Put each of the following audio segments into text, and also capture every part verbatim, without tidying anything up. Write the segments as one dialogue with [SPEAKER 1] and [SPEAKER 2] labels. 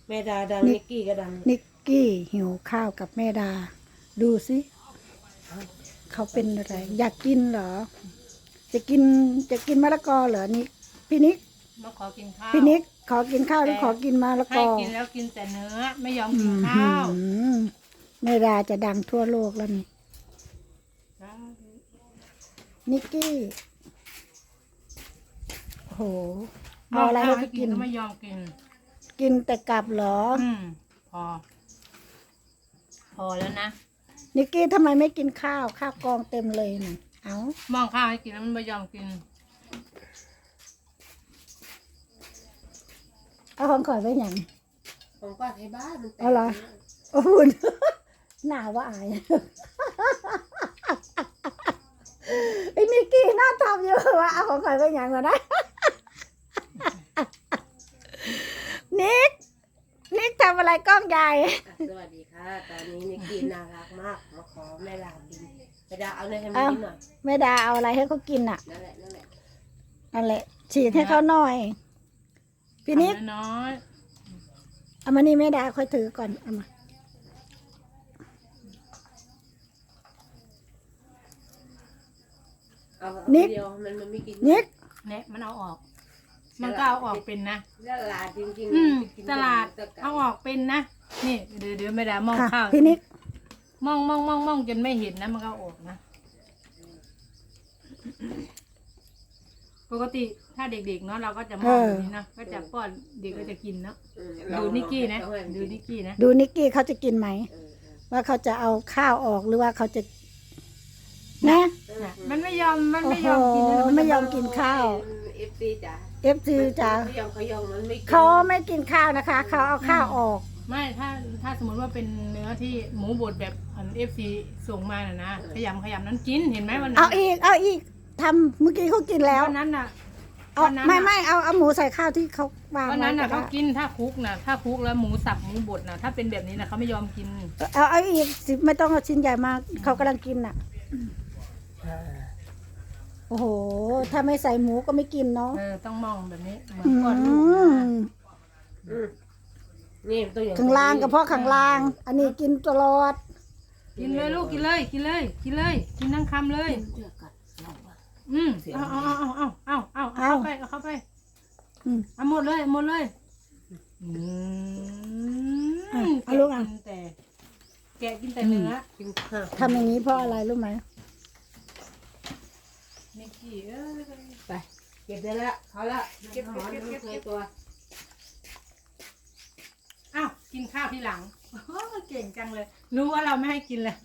[SPEAKER 1] แม่ดาดังนิกกี้ก็ดัง
[SPEAKER 2] นิกกี้หิวข้าวกับแม่ดา ดูสิเขาเป็นอะไร อยากกินเหรอ จะกินจะกินมะละกอเหรอนิกพี่นิก
[SPEAKER 3] มาขอกินข้าว
[SPEAKER 2] พี่นิกขอกินข้าวหรือขอกินมะละก
[SPEAKER 3] ให้
[SPEAKER 2] อ
[SPEAKER 3] กินแล้วกินแต่เนื้อไม่ยอม
[SPEAKER 2] อื
[SPEAKER 3] กิน
[SPEAKER 2] ม
[SPEAKER 3] ข้าว
[SPEAKER 2] แม่ดาจะดังทั่วโลกแล้วนี่นิกกี้โหเอาอะไรให้
[SPEAKER 3] ให้
[SPEAKER 2] เขา
[SPEAKER 3] กิ
[SPEAKER 2] กิ
[SPEAKER 3] น
[SPEAKER 2] น
[SPEAKER 3] ก็ไม่ยอมกิน
[SPEAKER 2] กินแต่กลับเหรอ
[SPEAKER 3] อืมพอ พอแล้วนะ
[SPEAKER 2] นิกกี้ทำไมไม่กินข้าวข้าวกองเต็มเลยน่ะเอา
[SPEAKER 3] มองข้าวให้กินแล้วมันไม่ยอมกิน
[SPEAKER 2] เอาของข่อยไว้อย่าง
[SPEAKER 1] ของป้าไทยบ้านมันแตก
[SPEAKER 2] เอาเหรอ โอ้คุณ หน้าว่าอาย ไอ้นิกกี้น่าทำเยอะวะเอาของข่อยไว้อย่างก่อนนะ นิกนิกทำอะไรกล้องใหญ่
[SPEAKER 1] อ่ะสวัสดีค่ะ ตอนนี้นิกกี้น่ารักมากมาขอแม่ดากินแม่ดาเอาเนยให้มันกินหน่อย
[SPEAKER 2] แม่ดาเอาอะไรให้เขากินอ่ะ
[SPEAKER 1] นั่นแหละนั่นแหละ
[SPEAKER 2] นั่นแหละฉีดให้เขาหน่อย พี่นิก
[SPEAKER 3] ทำน้อย
[SPEAKER 2] เอามานี่แม่ดาค่อยถือก่อนเอามา
[SPEAKER 1] เอาเอา
[SPEAKER 2] นิก
[SPEAKER 1] เดียวมันมันไม่กิน
[SPEAKER 2] นิก
[SPEAKER 3] ๆเนี่ยมันเอาออก มันก็เอาออกเป็นนะ
[SPEAKER 1] ตลาดจริงๆ
[SPEAKER 3] อืม
[SPEAKER 1] ไปกิน
[SPEAKER 3] ตลาด
[SPEAKER 1] แต่ไก่
[SPEAKER 3] เอาออกเป็นนะ นี่เดี๋ยวเดี๋ยวไม่ได้มอง
[SPEAKER 2] ค่ะ
[SPEAKER 3] ข้าว
[SPEAKER 2] พี่นิก
[SPEAKER 3] มองมองมองมองจนไม่เห็นนะมันก็เอาออกนะ ปกติถ้าเด็กๆเนาะเราก็จะมองแบบนี้เนาะก็จะป้อนเด็กก็จะกินเนาะ
[SPEAKER 1] อืม
[SPEAKER 3] ดูนิกกี้นะ
[SPEAKER 1] เอาให้มัน
[SPEAKER 3] ดูนิกกี้นะ
[SPEAKER 2] ดูนิกกี้เขาจะกินไหม
[SPEAKER 1] เออเออ
[SPEAKER 2] ว่าเขาจะเอาข้าวออกหรือว่าเขาจะนะ
[SPEAKER 3] น่ะมันไม่ยอมมัน
[SPEAKER 2] โอ้
[SPEAKER 3] ไม่
[SPEAKER 2] โห
[SPEAKER 3] ยอมกินนะน
[SPEAKER 2] ไม่
[SPEAKER 3] จะ
[SPEAKER 2] ยอมกินข้าว
[SPEAKER 1] เอฟซีจ้ะ
[SPEAKER 2] เอฟซีจ๋า
[SPEAKER 1] เขายอมเขายอมมันไม่กิน
[SPEAKER 2] เขาไม่กินข้าวนะคะ เขาเอาข้าวออก
[SPEAKER 3] ไม่ถ้าถ้าสมมติว่าเป็นเนื้อที่หมูบดแบบอันเอฟซีส่งมาน่ะนะขยำขยำนั้นกินเห็นไหมวันนั้
[SPEAKER 2] เอา
[SPEAKER 3] น
[SPEAKER 2] อีก เอาอีกทำเมื่อกี้เขากินแล้ว
[SPEAKER 3] วันนั้นน่ะ
[SPEAKER 2] เอา
[SPEAKER 3] วันนั้น
[SPEAKER 2] ไม่
[SPEAKER 3] น่ะ
[SPEAKER 2] ไม่เอาเอาหมูใส่ข้าวที่เขาวาง
[SPEAKER 3] วัน
[SPEAKER 2] ไว้
[SPEAKER 3] นั้นน่ะ
[SPEAKER 2] ก็
[SPEAKER 3] เขา
[SPEAKER 2] ได้
[SPEAKER 3] กินถ้าคุกน่ะถ้าคุกแล้วหมูสับหมูบดน่ะถ้าเป็นแบบนี้น่ะเขาไม่ยอมกิน
[SPEAKER 2] เอาเอาอีกสิไม่ต้องเอาชิ้นใหญ่มากเขากำลังกินน่ะ โอ้โห ถ้าไม่ใส่หมูก็ไม่กินเนาะ
[SPEAKER 3] เออต้องมองแบบนี้เหมือน
[SPEAKER 2] อื
[SPEAKER 3] ก้อนลูก
[SPEAKER 2] ม
[SPEAKER 3] นะ
[SPEAKER 1] อืมนี่ตัวอย่าง
[SPEAKER 2] ข้างล่างกับพ่อข้างล่าง อันนี้กินตลอด
[SPEAKER 3] กินเลยลูกกินเลยกินเลยกินเลยกินทั้งคำเลย
[SPEAKER 1] เชือกกัดเราอะ
[SPEAKER 3] อืมเอาเอาเอาเอาเอาเอาเอาเอาเข้าไปเอาเข้าไป
[SPEAKER 2] อืม
[SPEAKER 3] เอาหมดเลยหมดเลยอืม
[SPEAKER 2] อ่ะเอาลูกอ่ะ
[SPEAKER 3] แกินแต่แกะกินแต่เนื้อ
[SPEAKER 1] กินข้าว
[SPEAKER 2] ทำอย่างนี้เพราะอะไรรู้ไหม
[SPEAKER 3] นิกกี้เอ้ย
[SPEAKER 1] ไปเก็บได้แล้วเขาละ
[SPEAKER 3] เก็บเก็บเก็บเก็บ
[SPEAKER 1] เคยตัว
[SPEAKER 3] อ้าวกินข้าวทีหลังโอ้เก่งจังเลย รู้ว่าเราไม่ให้กินเลย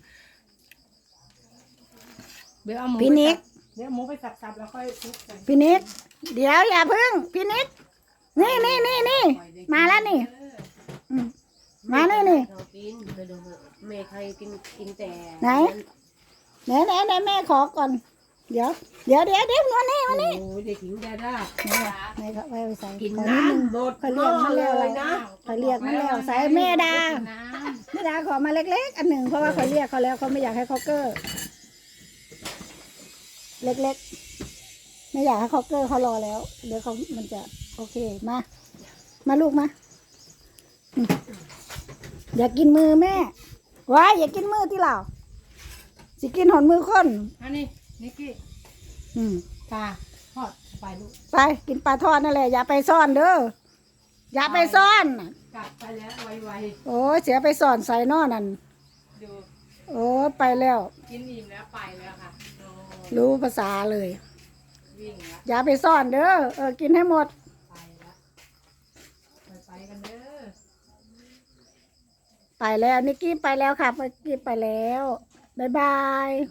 [SPEAKER 3] เดี๋ยวเอาหมู
[SPEAKER 2] พี่นิก
[SPEAKER 3] ไปสับเดี๋ยวเอาหมูไปสับๆแล้วค่อยคลุกกัน
[SPEAKER 2] พี่นิก เดี๋ยวอย่าพึ่ง พี่นิก นี่นี่นี่นี่ มาแล้วนี่อืมมานี่นี่
[SPEAKER 1] เรากินไปดูเมย์ใครกินกินแต่
[SPEAKER 2] ไหน ไหนไหนไหนแม่ขอก่อน เดี๋ยว เดี๋ยวเดี๋ยวเดี๋ยวมานี่
[SPEAKER 1] โอ้
[SPEAKER 2] มานี่
[SPEAKER 1] ยเด็กหญิงดาด้า
[SPEAKER 2] ไหนล่ะไหนเขาไว้ใส่
[SPEAKER 1] กิน
[SPEAKER 2] ขอนิดนึง
[SPEAKER 1] น้ำหมด
[SPEAKER 2] เขาเรียกมาแล้ว
[SPEAKER 1] เลยนะ
[SPEAKER 2] เขาเรียกมาแล้วใส่แม่ดา
[SPEAKER 3] กินน้
[SPEAKER 2] แม่ดาขอมาเล็กๆ อันหนึ่งเพราะว่าเขาเรียกเขาแล้วเขาไม่อยากให้เขาเกอร์เล็กๆ ไม่อยากให้เขาเกอร์เขารอแล้ว เดี๋ยวเขามันจะโอเคมา มาลูกมาอืมอย่ากินมือแม่ว้ายอย่ากินมือที่เราสิกินหอนมือคน
[SPEAKER 3] ำอันนี้นิกกี้
[SPEAKER 2] อืม
[SPEAKER 3] ปลาทอดไปลูก
[SPEAKER 2] ไปกินปลาทอดนั่นแหละอย่าไปซ่อนเด้ออย่าไปซ่อน
[SPEAKER 3] กลับไปแล้วไว
[SPEAKER 2] โอ้ยเสียไปซ่อนใส่นอนั่น
[SPEAKER 3] ๆดู
[SPEAKER 2] โอ้ยไปแล้ว
[SPEAKER 3] กินอิ่มแล้วไปแล้วค่ะโอ้
[SPEAKER 2] รู้ภาษาเลย
[SPEAKER 3] วิ่งแล้ว
[SPEAKER 2] อย่าไปซ่อนเด้อเออกินให้หมด
[SPEAKER 3] ไปแล้วไปไปกันเด้อ
[SPEAKER 2] ไปแล้วนิกกี้ไปแล้วค่ะนิกกี้ไปแล้วบ๊ายบาย